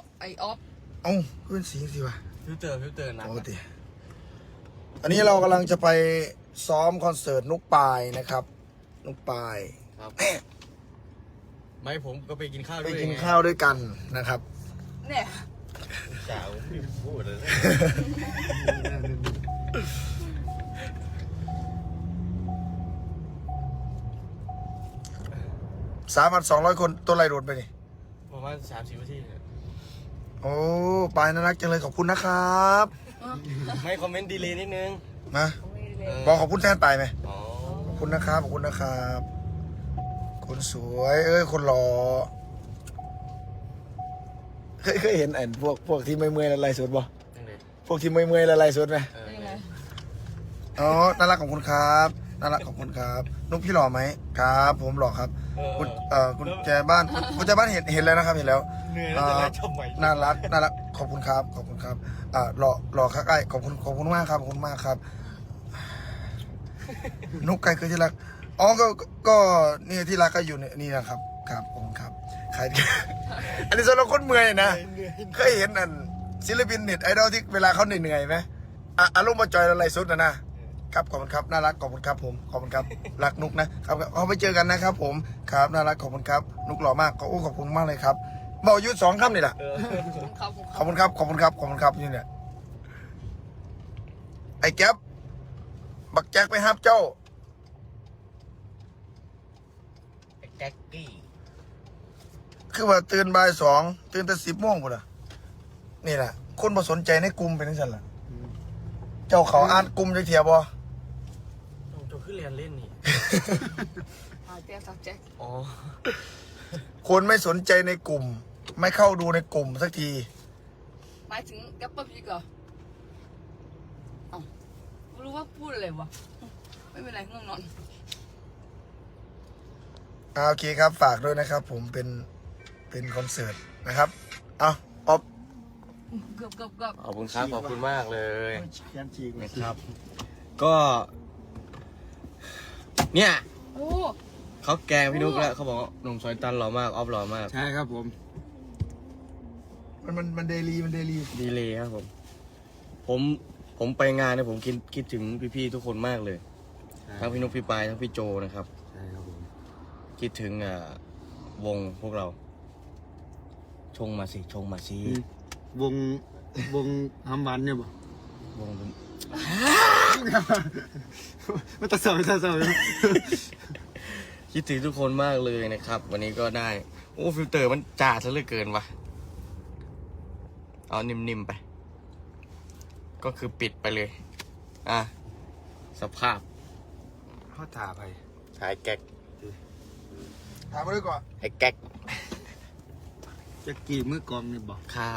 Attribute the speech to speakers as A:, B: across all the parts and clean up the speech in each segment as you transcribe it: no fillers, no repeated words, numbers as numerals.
A: ไอออฟ
B: เอ้าขึ้นสีสิวะ
C: ฟิลเตอร์นะ
B: ปกติอันนี้เรากำลังจะไปซ้อมคอนเสิร์ตนุกปายนะครับนุกปาย
C: ครับไม่ผมก็ไปกินข้าวด้
B: ไป
C: วย
B: กินข้าวด้วยกันนะครับ
A: เนี่ย
C: สาวไม่พูดเลย
B: 3,200 คนตัวไรโดดไปนี่
C: ประมาณ30 นาทีเนี่ย
B: โอ้ปายน่ารักจังเลยขอบคุณนะครับ
C: ไม่คอมเมนต์ดีเลยนิดนึง
B: นะบอกขอบคุณแทนปายไหม
C: อ๋อ
B: ขอบคุณนะครับขอบคุณนะครับคนสวยคนหล่อเคยเห็นไอ้พวกที่เมื่อยๆละลายสดบ่
C: ยังไง
B: พวกที่เมื่อยๆละลายสดไหม
A: ยังไง
B: อ๋อน่ารักขอบคุณครับน่ารักขอบคุณครับนุ๊กพี่หล่อไหมครับผมหล่อครับคุณคุณแจบ้านคุณแจบ้านเห็นแล้วนะครับเห็นแล้ว
C: เหนื่อยแล้วจะไล่ชมใหม่
B: น่ารักขอบคุณครับขอบคุณครับหล่อครับไอ้ขอบคุณมากครับขอบคุณมากครับนุ๊กไก่คือที่รักอ๋อก็นี่ที่รักก็อยู่นี่นะครับครับขอบคุณครับใคร อันนี้สำหรับคนเมื่อยนะเคยเห็นอันศิลปินเน็ตไอดอลที่เวลาเขาเหนื่อยไหมอารมณ์มาจอยอะไรสุดนะครับขอบคุณครับน่ารักขอบคุณครับผมขอบคุณครับรักนุกนะครับเอาไปเจอกันนะครับผมครับน่ารักขอบคุณครับนุกหล่อมากขอบคุณมากเลยครับบอกยุทธ2 คำนี่แหละขอบคุณครับขอบคุณครับขอบคุณครับนี่เนี่ยไอ้แก๊ปบักแจ็คไปฮับเจ้า
C: แจ็คกี้
B: คือว่าตื่นบ่าย 2ตื่นแต่10 โมงพุ่นล่ะนี่แหละคนบ่สนใจในกลุ่มเป็นจังซั่นล่ะเจ้าเขาอ่านกลุ่มจักเที่ยบ่
C: ผมจะขึ้นเรียนเล่นนี่
A: แจ็คสักแจ็ค
C: อ๋อ
B: คนไม่สนใจในกลุ่ม ไม่เข้าดูในกลุ่มสักที
A: หมายถึงแกปเปอร์พีกเหรอไม่รู้ว่าพูดอะไรวะไม่เป็นไรง่วงนอน
B: โอเคครับฝากด้วยนะครับ ผมเป็นคอนเสิร์ตนะครับเอาออฟ
A: เกือบ
C: ขอบคุณครับขอบคุณมากเลย
B: ยันจีก
C: นะครับ ก็เนี่ย
A: โอ้
C: เขาแกงพี่นุ๊กแล้วเขาบอกว่าหนุ่มซอยตันหล่อมากออฟหล่อมาก
D: ใช่ครับผม
B: มันเดลี
C: ดีเลยครับผมไปงานเนี่ยผมคิดถึงพี่ๆทุกคนมากเลยทั้งพี่นุ๊กพี่ปายทั้งพี่โจนะครับ
D: ใช่ครับผม
C: คิดถึงวงพวกเรา ชงมาสิ
D: วงทำวันเนี่ยบ่
C: วงเป็น
D: มันตะเสา
C: คิดถึงทุกคนมากเลยนะครับ วันนี้ก็ได้โอ้ฟิลเตอร์มันจ่าซะเหลือเกินวะเอานิ่มๆไป ก็คือปิดไปเลยสภาพ
D: เขาถาไป
C: หายแก๊ก
B: ถามมาด้วยก่อน
C: หายแก๊ก
D: จะกี่มือกองเนี่ยบ่
C: ครับ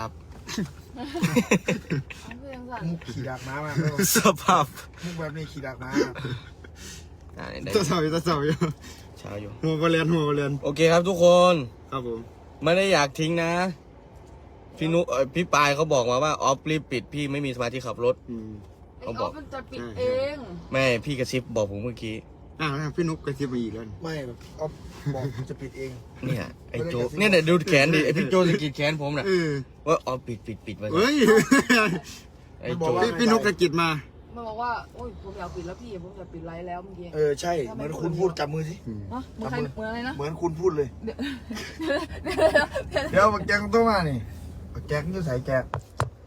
A: เพื่อนสั่น
B: มุกขี่ดักม้ามา
C: สภาพ
B: มุกแบบนี้ขี่ดักม้า
C: ได้
D: ตะเสาอยู่
C: เช้าอยู่
D: หัวบอลเลียน
C: โอเคครับทุกคน
D: ครับผม
C: ไม่ได้อยากทิ้งนะ พี่นุพี่ปายเขาบอกมาว่าออฟรีบปิดพี่ไม่มีสมาธิขับรถ
A: ไอออฟมันจะปิดเอง
C: แม่พี่กระซิบบอกผมเมื่อกี้
D: พี่นุ๊กกระซิบมาอีกแล้ว
B: ไม่แบบออฟบอกจะปิดเอง
C: เนี่ยไอ้โจเนี่ยเดี๋ยวดูแขนดิไอพี่โจสะกิดแขนผมน่ะว่าออฟปิดไว้
D: เฮ้ย
C: ไอ้โจ
D: พี่นุ๊กกระกิดมา
A: มันบอกว่าโอ้ยผมอยากปิดแล้วพี่ผมอยากปิดไลฟ์แล้วเมื่อกี้
B: ใช่เหมือนคุณพูดจับมือสิ
A: ฮะเหมือนใครเหมือนอะไรนะ
B: เหมือนคุณพูดเลย
A: เดี๋ยว
B: เดี๋ยวบักแจงต้องมานี่บักแจงจะใส่แจก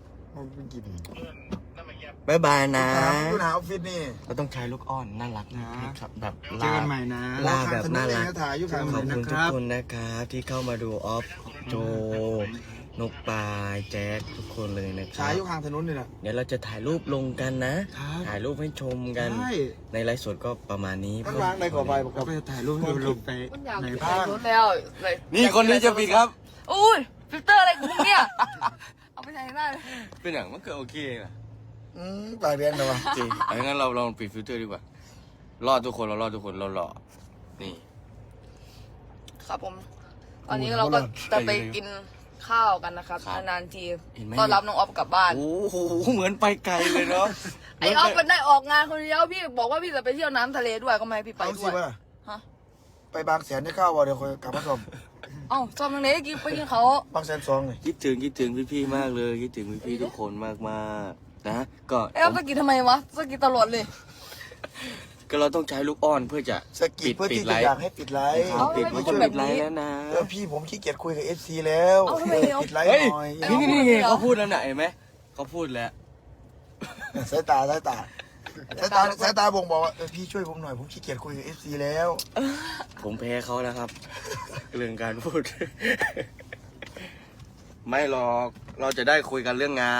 C: บายบายนะ
B: คุณหาออฟฟิศนี่
C: เราต้องใช้ลูกอ้อนน่ารักนะครับแบบ
D: เจอกันใหม่นะ
C: ลาแบบน่ารัก
B: ถ่ายอยู่ข้าง
C: ขอบ
B: ถนน
C: คุณทุกคนนะครับที่เข้ามาดูออฟโจนกปลายแจ็คทุกคนเลยนะครั
B: ถ่าย
C: บ
B: อยู่ข้างถนนนี่แหละ
C: เดี๋ยวเราจะถ่ายรูปลงกันนะ ถ่ายรูปให้ชมกัน
D: ใช่
C: ในไลฟ์สดก็ประมาณนี้
B: มันวางในก่อไปบอก
D: เราไปถ่ายรูปให้ลงไป
A: มันอยาก
D: ใน
A: ปิด
D: บ้าน
A: รถแล้วเลย
C: นี่คนนี้จะปิดครับ
A: อุ้ยฟิลเตอร์อะไรของมึงเนี่ยเอาไปใช้ได้เลย
C: เป็นอย่างมันก็โอเคนะ
B: ปากเรียนเลยวะ
C: จริงงั้นเราลองปิดฟิลเตอร์ดีกว่า รอดทุกคนเรารอดทุกคนเราหล่อนี่
A: ครับผมตอนนี้เราก็จะไปกินข้าวกันนะครับนานๆทีต้อนรับน้องออฟกลับบ้าน
C: โอ้โหเหมือนไปไกลเลยเนาะ
A: ไอออฟมันได้ออกงานคนเดียวพี่บอกว่าพี่จะไปเที่ยวน้ำทะเลด้วยก็ไม่ให้พี่ไป
B: เอา
A: ด้
B: สิ
A: วย
B: ว่า
A: ฮะ
B: ไปบางแสนได้ข้าววะเดี๋ยวคอยกลับมาส่ง
A: เอ้าซ้อมตรงไหนกินไปกินเขา
B: บางแสนสองเลย
C: คิดถึงพี่ๆมากเลยคิดถึงพี่ๆทุกคนมากๆนะก็
A: เอ๊ะสกิดทำไมวะสกิดตลอดเลย
C: ก็เราต้องใช้ลูกอ้อนเพื่อจะ
B: สกิดเพื่อที่
C: ไล
B: จะ
C: ฟ์
B: อยากให้ปิดไลฟ์
A: เอา
C: ปิด
A: ทำไม
C: มัน
A: เป็
C: จะ
A: นคนแบ
C: ปิ
A: บ
C: ดไล
A: นี้
C: ฟ์แล้วนะ
B: พี่ผมขี้เกียจคุยกับ FC แล้ว
A: เอาทำไมเดี๋ยว
B: ปิดไลฟ์
C: เฮ้ย
B: หน่อย
C: นี่เขาพูดแล้วนะเห็นไหมเขาพูดแล้ว
B: สายตาบ่งบอกว่าพี่ช่วยผมหน่อยผมขี้เกียจคุยกับ FC แล้ว
C: ผมแพ้เขาแล้วครับ เรื่องการพูด ไม่หรอกเราจะได้คุยกันเรื่องงาน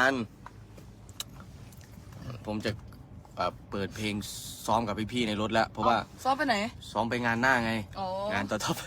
C: ผมจะเปิดเพลงซ้อมกับพี่ๆในรถแล้ว เพราะว่า
A: ซ้อมไปไหน
C: ซ้อมไปงานหน้าไง
A: อ๋อ
C: งานต่อไป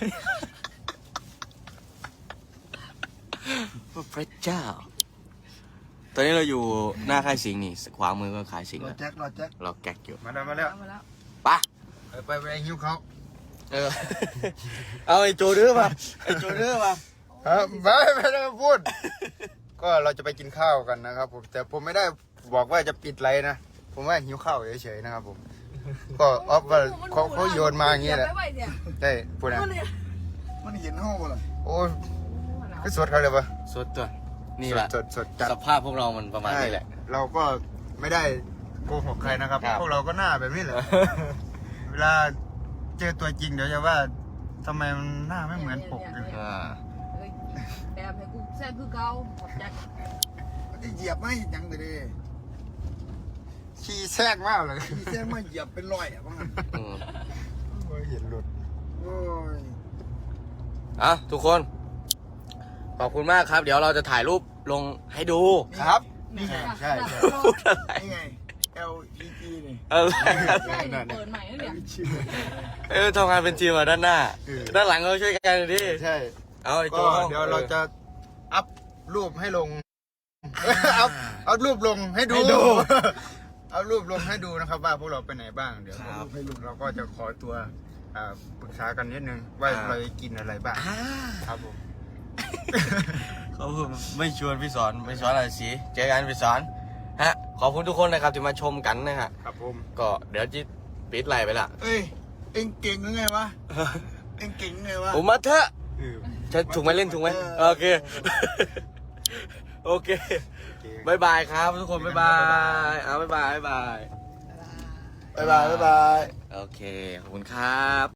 C: พระเจ้า ตอนนี้เราอยู่หน้าค่ายสิงห์นี่ขวามือก็ขายสิงห์
B: รอ
C: แล้ว
B: แจ็ค
C: เราแก๊กอยู่
D: มาแล้วมาแล้ว
A: มาแล้ว
C: ไปะ
D: ไปหิ้วเขา
C: เออ เอาไอ้โจดื้อมาไอ้โจดื้อมา
D: ไม่ได้พูด ก็เราจะไปกินข้าวกันนะครับผมแต่ผมไม่ได้บอกว่าจะปิดไรนะผมว่าหิวข้าวเฉยๆนะครับผมก็ออฟว่าเขาโยนมาอย่างเงี้ยแหละ
A: ไปเนี่ย
D: ได้พูดนะ
B: มันเห็นห้องบ่ล่ะ
D: โอ้ยก็สดเขาเลยปะ
C: สดตัวนี่แหละ
D: สดจัด
C: สภาพพวกเรามันประมาณนี้แหละ
D: เราก็ไม่ได้โกหกใครนะครับ
C: ครับ
D: พวกเราก็หน้าแบบนี้แหละ เวลาเจอตัวจริงเดี๋ยวจะว่าทำไมมันหน้าไม่เหมือนปกเลย
C: อ่า
A: เฮ้ยแอบให้กูแซ่บคือเก่าขอบใจ
B: เหยียบไม่ยังเลย
D: ขี้แทรกมากเลย
B: พี่แจ้งมาเหยียบเป็นรอยอ่ะบ้าง
C: อืม
D: โอ้ยเห็นหลุด
B: โอ้ย
C: อ่ะทุกคน ขอบคุณมากครับ เดี๋ยวเราจะถ่ายรูปลงให้ดู
D: ครับ
B: นี่ไง
D: ใช่
C: พูดอะไร
B: นี่ไง LPG นี่
C: เออ
A: ใช่เปิดใหม่แล้วเนี่ย
C: ทำงานเป็นทีมมาด้านหน้า ด้านหลังเราช่วยกันดิ
D: ใช่
C: เอาไอ้โจ
D: ก็เดี๋ยวเราจะอัพรูปให้ลง เอารูปลงให้ดู เอารูปลงให้ดูนะครับว่าพวกเราไปไหนบ้างเดี๋ยวเราก็จะขอตัวปรึกษากันนิดนึงว่าเราจะกินอะไรบ้างครับผม
C: เขาไม่ชวนพี่สอนไม่สอนอะไรสิเจอกันพี่สอนฮะขอบคุณทุกคนนะครับที่มาชมกันนะฮะ
D: ครับผม
C: ก็เดี๋ยวจิปิดไลน์ไปละ
B: เอ้ย เอ็งเก่งหรือไงวะ เอ็งเก่งหรือไงวะ
C: ผมมาเถอะจะถูกไหมเล่นถูกไหมโอเค โอเคบายบายครับทุกคนบายบายเอาบายบาย
B: บ๊ายบาย
C: โอเค ขอบคุณครับ